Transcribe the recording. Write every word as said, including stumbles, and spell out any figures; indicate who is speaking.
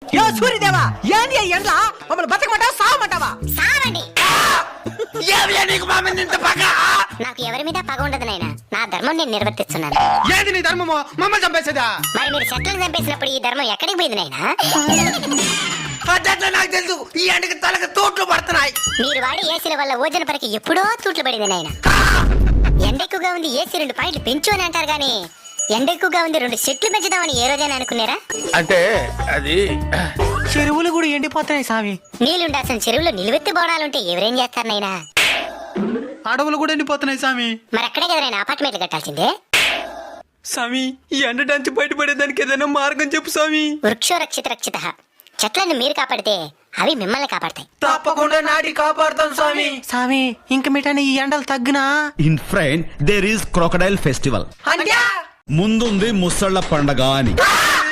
Speaker 1: యో సూర్యదేవా ఏంది ఎండ్ల మమ్మల్ని బతకమంటావా సావమంటావా?
Speaker 2: సావండి.
Speaker 1: నీకు మా మీద ఇంత పగ?
Speaker 2: నాకు ఎవరి మీద పగ ఉండదు నాయనా, నా ధర్మం నేను నిర్వర్తిస్తున్నాను.
Speaker 1: ఏది నీ ధర్మమో మమ్మల్ని చంపేసేదా?
Speaker 2: మరి మీరు చెట్లను చంపేసినప్పుడు ఈ ధర్మం ఎక్కడికి పోయింది నాయనా?
Speaker 1: అట్లా నాకు తెలుసు. ఈ ఎండకి తలకు తోట్లు పడుతున్నాయి.
Speaker 2: మీరు వాడి ఏసీల వల్ల ఓజన పరికి ఎప్పుడో తూట్లు పడింది నాయనా. ఎండ ఎక్కువగా ఉంది ఏసీ రెండు పాయింట్లు పెంచు అని అంటారు గానీ ఎండ ఎక్కువగా ఉంది రెండు చెట్లు పెంచుదామని ఏ రోజైనా అనుకున్నారా?
Speaker 3: అంటే అది
Speaker 1: చెరువులు కూడా ఎండిపోతున్నాయి స్వామి.
Speaker 2: నీళ్ళుండాల్సిన చెరువులో నిలువెత్తి బోడాలుంటే ఎవరేం చేస్తారు నాయనా?
Speaker 1: అడవులు కూడా ఎండిపోతున్నాయి స్వామి.
Speaker 2: మరి అక్కడే కదా నాయనా అపార్ట్మెంట్లు కట్టాల్సిందే.
Speaker 1: స్వామి ఈ ఎండ నుంచి బయటపడేదానికి ఏదైనా మార్గం చెప్పు స్వామి.
Speaker 2: వృక్షో రక్షిత రక్షిత. చెట్లను మీరు కాపాడితే అవి మిమ్మల్ని కాపాడతాయి.
Speaker 1: తప్పకుండా నాటి కాపాడుతాం స్వామి. స్వామి ఇంక మిఠాయి ఈ ఎండలు తగ్గునా?
Speaker 4: In friend there is crocodile festival.
Speaker 1: అంటే
Speaker 4: ముందుంది ముసళ్ళ పండగ అని.